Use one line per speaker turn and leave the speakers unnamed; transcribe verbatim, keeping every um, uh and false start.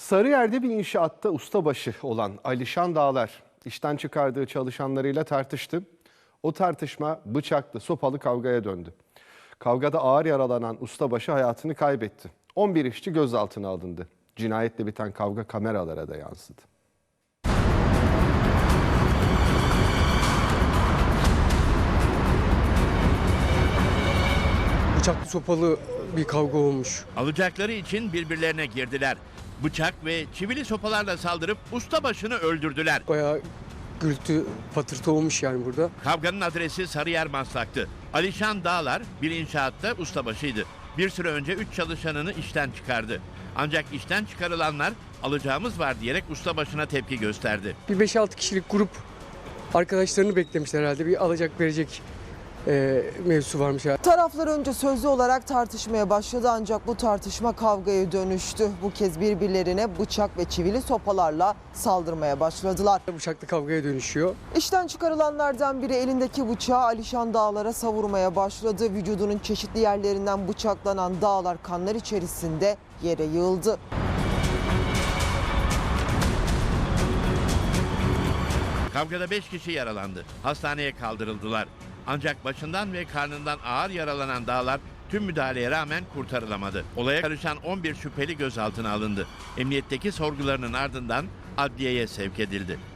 Sarıyer'de bir inşaatta ustabaşı olan Alişan Dağlar işten çıkardığı çalışanlarıyla tartıştı. O tartışma bıçaklı, sopalı kavgaya döndü. Kavgada ağır yaralanan ustabaşı hayatını kaybetti. on bir işçi gözaltına alındı. Cinayetle biten kavga kameralara da yansıdı.
Bıçaklı sopalı bir kavga olmuş.
Alacakları için birbirlerine girdiler. Bıçak ve çivili sopalarla saldırıp ustabaşını öldürdüler.
Bayağı gürültü patırtı olmuş yani burada.
Kavganın adresi Sarıyer Maslak'tı. Alişan Dağlar bir inşaatta ustabaşıydı. Bir süre önce üç çalışanını işten çıkardı. Ancak işten çıkarılanlar alacağımız var diyerek ustabaşına tepki gösterdi.
Bir beş altı kişilik grup arkadaşlarını beklemişler herhalde. Bir alacak verecek e, mevzusu varmış herhalde.
Taraflar önce sözlü olarak tartışmaya başladı ancak bu tartışma kavgaya dönüştü. Bu kez birbirlerine bıçak ve çivili sopalarla saldırmaya başladılar.
Bıçaklı kavgaya dönüşüyor.
İşten çıkarılanlardan biri elindeki bıçağı Alişan Dağlar'a savurmaya başladı. Vücudunun çeşitli yerlerinden bıçaklanan Dağlar kanlar içerisinde yere yığıldı.
Kavgada beş kişi yaralandı. Hastaneye kaldırıldılar. Ancak başından ve karnından ağır yaralanan Dağlar tüm müdahaleye rağmen kurtarılamadı. Olaya karışan on bir şüpheli gözaltına alındı. Emniyetteki sorgularının ardından adliyeye sevk edildi.